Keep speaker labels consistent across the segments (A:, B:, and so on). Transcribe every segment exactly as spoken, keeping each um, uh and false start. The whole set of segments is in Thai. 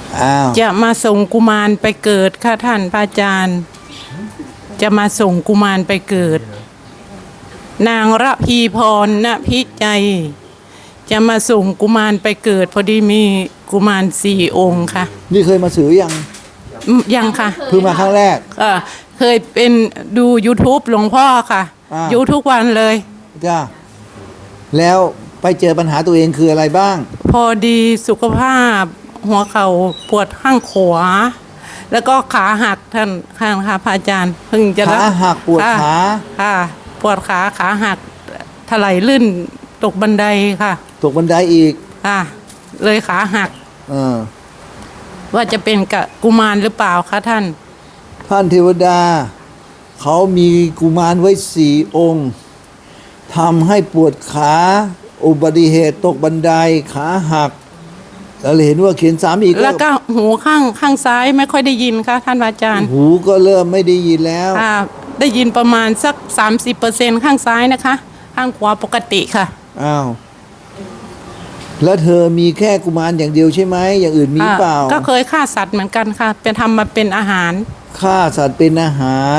A: อ้าว
B: จะมาส่งกุมารไปเกิดค่ะท่านพระอาจารย์ จะมาส่งกุมารไปเกิด นางระพีพรณพิจัยจะมาส่งกุมารไปเกิด พอดีมีกุมารสี่องค์ค่ะ
A: นี่เคยมาสื่อยัง
B: อืมยังค่ะ
A: เพิ่งมาครั้งแรก
B: เออเคยเป็นดู YouTube หลวงพ่อค่ะ
A: อ่า
B: อยู่ทุกวันเลย
A: จ้าแล้วไปเจอปัญหาตัวเองคืออะไรบ้าง
B: พอดีสุขภาพหัวเข่าปวดข้างขวา แล้วก็ขาหักท่านข้างค่ะพระอาจารย์เพิ่งจะรับ
A: ขาหักปวด
B: ค่ะ
A: ขา
B: ค่ะ ปวดขาขาหักถลายลื่นตกบันไดค่ะ
A: ตกบันไดอีก
B: ค่ะเลยขาหัก
A: เออ
B: ว่าจะเป็นกับกุมารหรือเปล่าคะท่าน
A: ท่านเทวดา เขามีกุมารไว้สี่องค์ทำให้ปวดขาอุบัติเหตุตกบันไดขาหัก แล้วเห็นว่าเขียนสามอีก
B: แล้วก็หูข้างข้างซ้ายไม่ค่อยได้ยินค่ะท่านอาจารย์
A: หูก็เริ่มไม่ได้ยินแล้ว
B: ค่ะได้ยินประมาณสัก สามสิบเปอร์เซ็นต์ ข้างซ้ายนะคะ ข้างขวาปกติค่ะ
A: อ้าว แล้วเธอมีแค่กุมารอย่างเดียวใช่ไหม อย่างอื่นมีเปล่า
B: อ่าก็เคยฆ่าสัตว์เหมือนกันค่ะ เป็นทำมาเป็นอาหาร
A: ฆ่าสัตว์เป็นอาหาร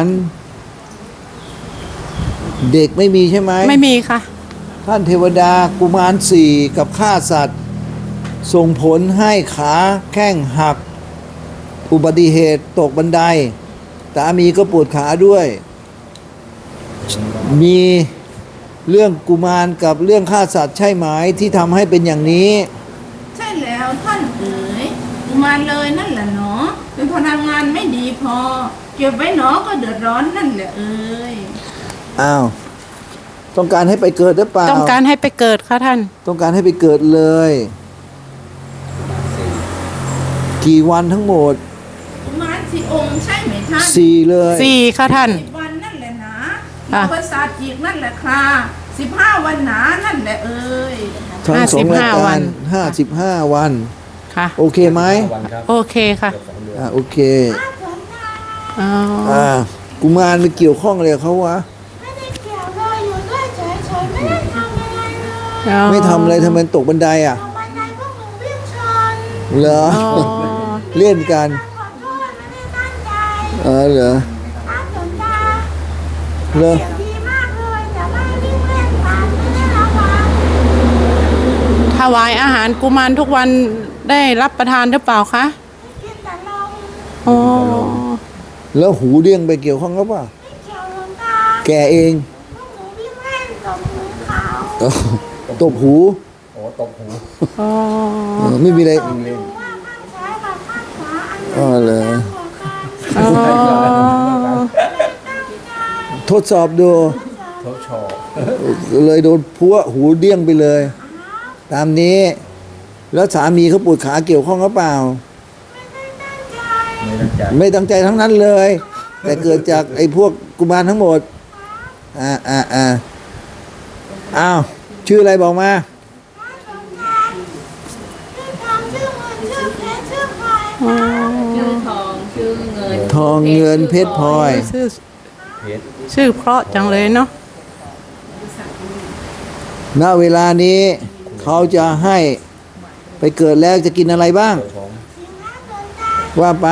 A: เด็กไม่มีใช่ไหม
B: ไม่มีค่ะ
A: ท่านเทวดากุมารสี่กับฆ่าสัตว์ ส่งผลให้ขาแข้งหัก อุบัติเหตุตกบันไดสามีก็ปวดขาด้วย มีเรื่องกุมารกับเรื่องฆ่าสัตว์ใช่ไหมที่ทำให้เป็นอย่างนี้
C: ใช่แล้วท่านเอ๋ยกุมารเลยนั่นแหละเนาะเป็นพลังงานไม่ดีพอ เก็บไว้เนาะก็เดือดร้อนนั่นแหละเอ๋ย
A: อ้าว ต้องการให้ไปเกิดหรือเปล่า
B: ต้องการให้ไปเกิดค่ะท่าน
A: ต้องการให้ไปเกิดเลย กี่วันทั้งหมด
C: กุมารสี่องค์ใช่ไหมท่าน
A: สี่เลย
B: สี่ค่ะท่าน
C: สิบวันนั่นแหละนะ
B: อ่ะ
C: อุปสรรคอีกนั่นแหละค่ะสิบห้าวันหนานั่นแหละเอ๋ย
A: ทั้งสองราย
B: ห้าสิบห้าวั
A: การ
B: น
A: ห้าสิบห้าวัน
B: ค่ะ
A: โอเคไหม
B: โอเคค่ะ
A: อ่าโอเค
B: อ๋อ
A: อ่ากุมารมันเกี่ยวข้องอะไรกับเขาวะ
C: ไม่ได้เกี่ยวเลยอยู่ด้วยเฉยๆไม่ได้ทำอะไรเลย
B: อ๋อ
A: ไม่ทำอะไรทำไมตกบันไดอ่ะ
C: ตรงบันไดพวกหนูวิ่งชน
A: เหรอ
B: อ๋อ
A: เล่นกัน
C: ขอโทษไม่ได้ตั้งใจ
A: เออเหรอ
C: ตามหลวงตา
A: เหรอ
C: เสียงดีมากเลยแต่ไม่วิ่งเล่นกันไม่ได้ระวัง
B: ถวายอาหารกุมารทุกวันได้รับประทานหรือเปล่าคะ
C: กินแต่ลม
B: อ๋อ
A: แล้วหูเดี้ยงไปเกี่ยวข้องกับป่ะ
C: ไม่เกี่ยวหลวงตา
A: แกเอง
C: พวกหนูวิ่งเล่นกับหมูเขา
A: เออตบหู
B: อ๋อ
A: เออไม่มีอะไร
C: ดูว่าข้างซ้ายกับข้างขวาอันไหน
A: อ๋อเหรอ
C: ดังกว่ากัน
B: อ๋อ
A: ทดสอบดูเลยโดนพัวหูเดี้ยงไปเลย ตามนี้ แล้วสามีเขาปวดขาเกี่ยวข้องหรือเปล่า ไม่ตั้งใจทั้งนั้นเลย แต่เกิดจากไอ้พวกกุมารทั้งหมด อ่าอ่าอ่าอ้าว ชื่ออะไรบอกมา
C: ชื่อทองชื่อเงิน
A: ทองเงินเพชรพลอย
B: ชื่อชื่อเพราะจังเลยเนาะ
A: ณเวลานี้เขาจะให้ไปเกิดแล้วจะกินอะไรบ้าง ว่าไป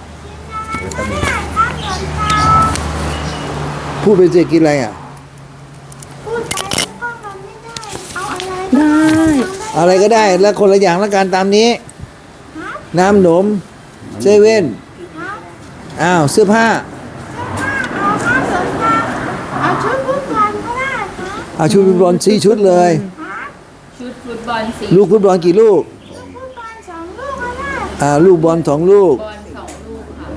A: พูดไปสิกินอะไรอ่ะ
C: พูดไปก็มันไม่ได้ เอาอะไร
B: ได้
A: อะไรก็ได้แล้วคนละอย่างละกันตามนี้ น้ำหนมเซเว่นอ้าวเสื้อผ้า
C: เอาข้าวสนตาเอาชุดฟุตบอลก็ได้ครับ
A: เอาชุดฟุตบอลสี่ชุดเลย
D: ชุดฟุตบอลสี
A: ลูกฟุตบอลกี่ลูก
C: ฟุตบอลสองลูกก็ได้
A: อ่าลูกบอลสองลูก
D: บอลสองลูกค่ะ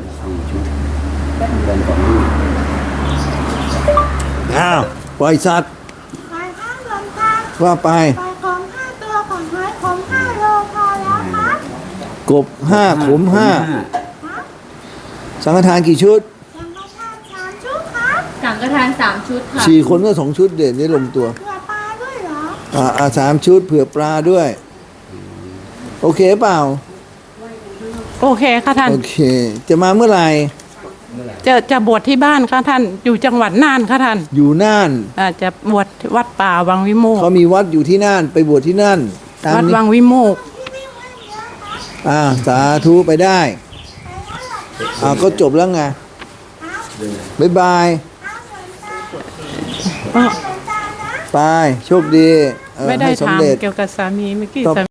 A: อ้าวปล่อยสัตว์
C: ไปข้าวสนตา
A: ว่าไป
C: ไปของห้าตัวของหอยของห้าโลพอแล้วครับ
A: กบห้าขมห้าสังฆทานกี่ชุด
C: ยังมาทานสามชุดครับ
D: สังฆทานสามชุดค่ะ
A: สี่คนก็สองชุดเด่นนี่ลงตัว
C: เผื่อปลาด้วยเหรอ
A: อ่าอ่าสามชุดเผื่อปลาด้วย โอเคเปล่า
B: โอเคค่ะท่าน
A: โอเค จะมาเมื่อไหร่
B: จะจะบวชที่บ้านค่ะท่าน อยู่จังหวัดน่านค่ะท่าน
A: อยู่น่าน
B: อ่าจะบวชวัดป่าวังวิโมกข์
A: เขามีวัดอยู่ที่น่านไปบวชที่นั่นตาม
B: วัด
A: นี้
B: วังวิโมกข์
A: โอ่าสาธุไปได้อ่าก็จบแล้วไงบ๊ายบาย
B: อ้อ
A: ไปโชคดีเออ
B: ไม่ได้
A: ให้
B: ถาม
A: สำเร็จ
B: เกี่ยวกับสามีเมื่อกี้
A: ต่อ
B: สา